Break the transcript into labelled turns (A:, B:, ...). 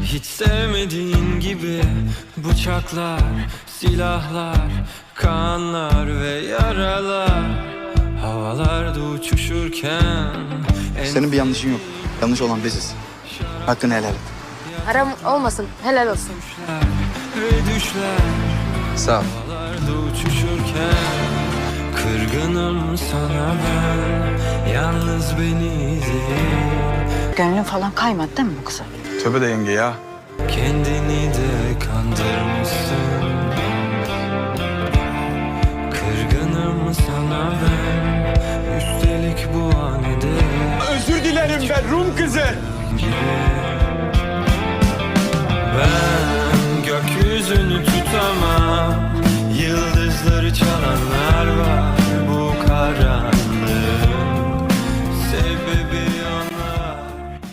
A: Hiç sevmediğin gibi bıçaklar, silahlar, kanlar ve yaralar havalarda uçuşurken
B: Senin bir yanlışın yok. Yanlış olan biziz. Hakkını helal et.
C: Haram olmasın, helal olsun.
A: ve düşler
B: Sağ ol.
A: havalarda uçuşurken kırgınım sana ben, yalnız beni değil.
D: Gönlün falan kaymadı değil mi bu kıza?
B: Tövbe de yenge ya.
A: Kendini de kandırmışsın. Kırgınım sana ben, üstelik bu anede.
E: Özür dilerim ben Rum kızı.